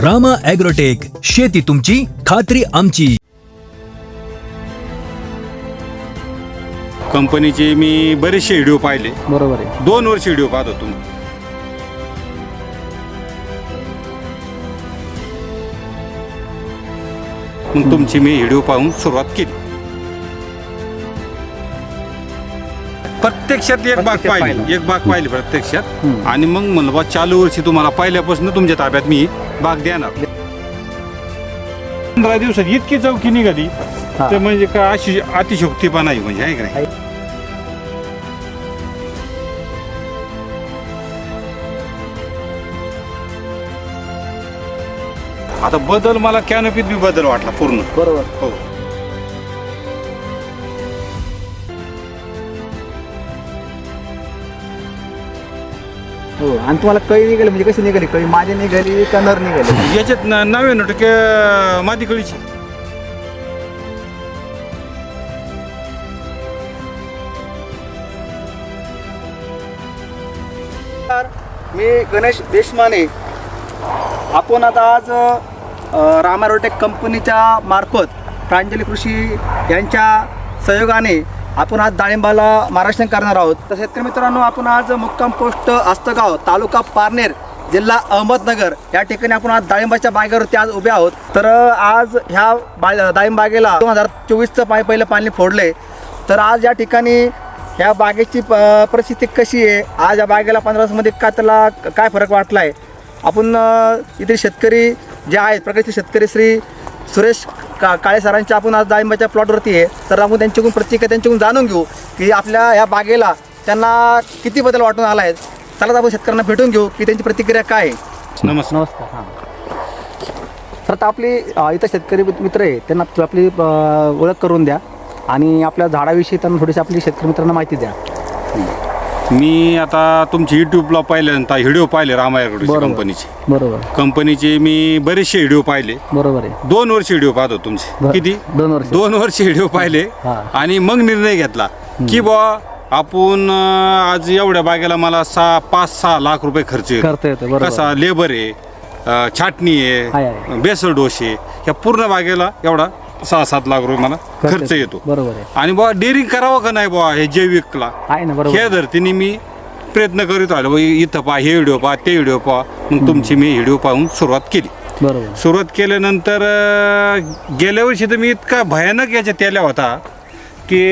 Rama agrotech, शेती तुमची, खात्री आमची. कंपनीचे मी बरेचसे व्हिडिओ पाहिले. बरोबर आहे. 2 वर्ष व्हिडिओ पाहत होतो. मग तुमची मी व्हिडिओ पाहून सुरुवात केली. प्रत्यक्षात एक बाग पाहिली प्रत्यक्षात. आणि मग म्हणलं बा चालू वर्षी तुम्हाला पहिल्यापासून तुमच्या ताब्यात मी बाग देणार. 15 दिवसात इतकी चौकी निघाली तर म्हणजे का अशी अतिशोक्तीपणा आहे म्हणजे आहे का नाही. आता बदल मला कॅनोपीत बी बदल वाटला पूर्ण. बरोबर. हो. हो. आणि तुम्हाला कळी निघाली म्हणजे कशी निघाली? कळी माझी निघाली का नर निघाली? याच्यात 99% मादी कळीची. मी गणेश देशमाने. आपण आता आज रामा ॲग्रोटेक कंपनीच्या मार्फत प्रांजली कृषी यांच्या सहयोगाने आपण आज डाळिंबाला मार्गदर्शन करणार आहोत. तर शेतकरी मित्रांनो, आपण आज मुक्काम पोस्ट आस्तगाव, तालुका पारनेर, जिल्हा अहमदनगर या ठिकाणी आपण आज डाळिंबाच्या बागेवरती आज उभे आहोत. तर आज ह्या डाळिंब बागेला 2024चं पहिलं पाणी फोडले. तर आज या ठिकाणी ह्या बागेची परिस्थिती कशी आहे, आज या बागेला 15 दिवसामध्ये त्याला काय फरक वाटला आहे, आपण इथे शेतकरी जे आहेत प्रगतशील शेतकरी श्री सुरेश काळे सरांच्या आपण आज डाळिंबाच्या प्लॉटवरती आहे. तर आपण त्यांच्याकडून प्रतिक्रिया त्यांच्याकडून जाणून घेऊ की आपल्या ह्या बागेला त्यांना किती बदल वाटून आला आहे. चला आपण शेतकऱ्यांना भेटून घेऊ की त्यांची प्रतिक्रिया काय आहे. नमस्कार. हां सर, आता आपली इथं शेतकरी मित्र आहे, त्यांना आपली ओळख करून द्या आणि आपल्या झाडाविषयी त्यांना थोडीशी आपली शेतकरी मित्रांना माहिती द्या. मी आता तुमची युट्यूबला पहिल्यांदा व्हिडिओ पाहिले रामा ॲग्रोटेक कंपनीचे. बरोबर. कंपनीचे मी बरेचसे व्हिडिओ पाहिले. बरोबर आहे. 2 वर्ष व्हिडिओ पाहतो तुमचे. किती? 2 वर्ष व्हिडिओ पाहिले. आणि मग निर्णय घेतला की बा आपण आज एवढ्या बागेला मला 5-6 लाख रुपये खर्च येतो. कसा लेबर आहे, छाटणी आहे, बेसल डोस आहे, या पूर्ण बागेला एवढा 6-7 लाख रुपये मला खर्च येतो. बरोबर आहे. आणि बुवा डेअरिंग करावं का नाही बुवा हे जैविकला, ह्या धर्तीने मी प्रयत्न करीत राहिलो. इथं पहा, हे व्हिडिओ पहा, ते व्हिडिओ पहा. मग तुमची मी व्हिडिओ पाहून सुरुवात केली. बरोबर. सुरुवात केल्यानंतर गेल्या वर्षी तर मी इतका भयानक याच्यात त्याला होता की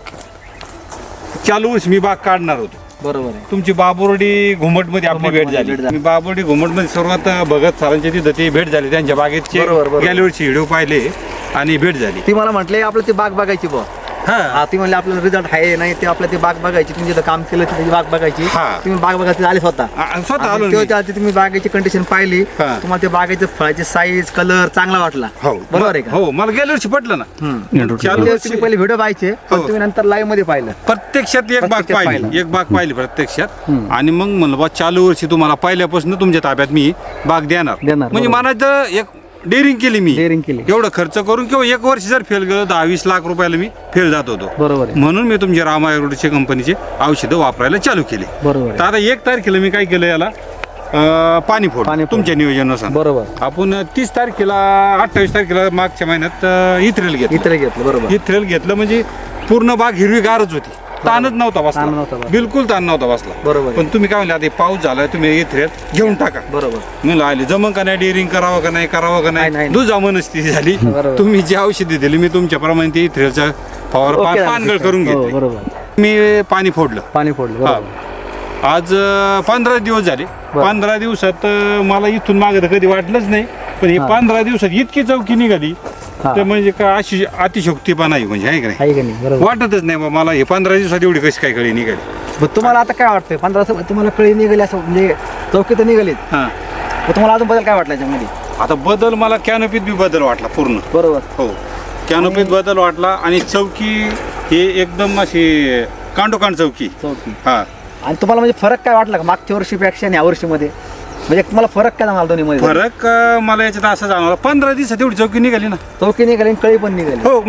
चालू वर्षी मी बाग काढणार होतो. बरोबर आहे. तुमची बाबुर्डी घुमटमध्ये आपली भेट झाली. मी बाबुर्डी घुमटमध्ये सुरुवात भगत सरांच्या तिथं ती भेट झाली. त्यांच्या बागेचे गेल्या वर्षी व्हिडिओ पाहिले आणि भेट झाली. ती मला म्हटले आपलं ती बाग बघायची बुवा. हा, ती म्हणले आपल्याला रिझल्ट आहे नाही ते आपलं ती बाग बघायची, तुम्ही जिथं काम केलं त्याची बाग बघायची. तुम्ही बाग बघायला आले स्वतः आलो. तुम्ही बागेची कंडिशन पाहिली, तुम्हाला त्या बागेचं फळाची साईज, कलर चांगला वाटला. बरोबर आहे का? हो, मला गेल्या वर्षी पटलं ना. तुम्ही पहिले व्हिडिओ पाहायचे, तुम्ही नंतर लाईव्ह मध्ये पाहिलं. प्रत्यक्षात एक बाग पाहिली प्रत्यक्षात. आणि मग म्हणलं बा चालू वर्षी तुम्हाला पहिल्यापासून तुमच्या ताब्यात मी बाग देणार. म्हणजे म्हणायचं एक डेअरिंग केली मी. एवढं खर्च करून किंवा 1 वर्ष जर फेल गेलो 10-20 लाख रुपयाला मी फेल जात होतो. बरोबर. म्हणून मी तुमच्या रामा ॲग्रोटेक कंपनीचे औषधं वापरायला चालू केले. बरोबर. तर आता 1 तारखेला मी काय केलं, याला पाणी फोड तुमच्या नियोजनानुसार. बरोबर. आपण 30 तारखेला 28 तारखेला मागच्या महिन्यात इथ्रेल घेतलं. बरोबर. इथ्रेल घेतलं म्हणजे पूर्ण बाग हिरवीगारच होती. ताणच नव्हता बसला, बिलकुल ताण नव्हता बसला. बरोबर. पण तुम्ही काय म्हणले, आता पाऊस झालाय, तुम्ही इथ्रेल घेऊन टाका. बरोबर. म्हणलं आले जमन का नाही, डेअरिंग करावं का नाही दुजा मनस्थिती झाली. तुम्ही जी औषधी दिली मी तुमच्याप्रमाणे ते इथ्रेलचा फवार पानगळ करून घेतली. मी पाणी फोडलं. आज 15 दिवस झाले. 15 दिवसात मला इथून मागे तर कधी वाटलंच नाही, पण हे 15 दिवसात इतकी चौकी निघाली तर म्हणजे का अशी अतिशोक्तीपणा आहे म्हणजे आहे का नाही. वाटतच नाही बा मला हे 15 दिवसात एवढी कशी काय कळी निघाली. तुम्हाला आता काय वाटतंय 15 दिवसात तुम्हाला कळी निघाली असं म्हणजे चौकी तर निघालीत. तुम्हाला अजून बदल काय वाटला याच्यामध्ये? आता बदल मला कॅनोपीत बी बदल वाटला पूर्ण. बरोबर. हो, कॅनोपीत बदल वाटला. आणि चौकी हे एकदम अशी कांडोकांड चौकी. हा. आणि तुम्हाला म्हणजे फरक काय वाटला का मागच्या वर्षीपेक्षा आणि या वर्षीमध्ये? म्हणजे तुम्हाला फरक काय जाणवला दोन्हीमध्ये? फरक मला याच्यात असं जाणवला, 15 दिवसात एवढी चौकी निघाली ना. चौकी निघाली, कळी पण निघाली. हो, म्हणजे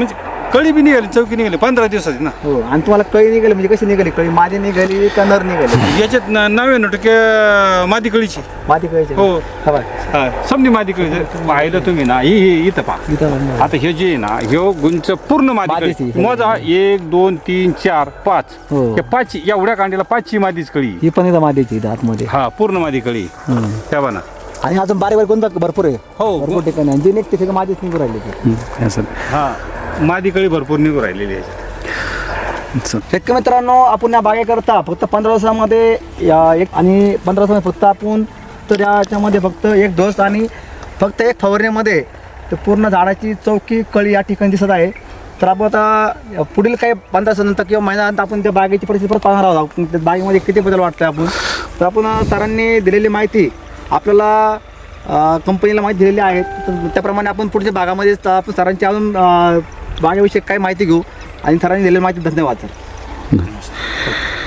कळी बी निघाली चौकी निघाली 15 दिवसाची ना. हो. आणि तुम्हाला कळी निघाली म्हणजे कशी निघाली? कळी मादी निघाली का नर निघाली? याच्यात 99% मादी कळीची. मादी कळीची. हो. हा बाय. हा, समधी मादी कळी पाहिलं तुम्ही ना, ही इथं पहा. इथं आता हे जे आहे ना, ह्यो गुंच पूर्ण मादी मादीची. कळी. मोजा 1 2 3 4 5. हो. हे 5 एवढ्या कांडीला 5ची मादीच कळी. ही पण इथं मादीची इथं आतमध्ये. हा पूर्ण मादी कळी त्या बना. आणि अजून बारीक बारीक कोणता भरपूर आहे. हो. भरपूर ठिकाणी आणि जी निघते सगळं मादीच निघून राहिली ती. हा मादी कळी भरपूर निघून राहिलेली आहे. शेतकरी मित्रांनो, आपण या बागेकरता फक्त 15 दिवसामध्ये एक आणि 15 दिवसामध्ये फक्त आपण तर याच्यामध्ये फक्त एक डोस आणि फक्त एक फवारणीमध्ये तर पूर्ण झाडाची चौकी कळी या ठिकाणी दिसत आहे. तर आपण आता पुढील काही 15 दिवसानंतर किंवा महिन्यानंतर आपण त्या बागेची परिस्थिती परत पाहणार आहोत. आपण त्या बागेमध्ये किती बदल वाटतोय आपण. तर आपण सरांनी दिलेली माहिती आपल्याला कंपनीला माहिती दिलेली आहे. तर त्याप्रमाणे आपण पुढच्या भागामध्ये आपण सरांची अजून बागेविषयी काही माहिती घेऊ. आणि सरांनी दिलेली माहिती धन्यवाद सर.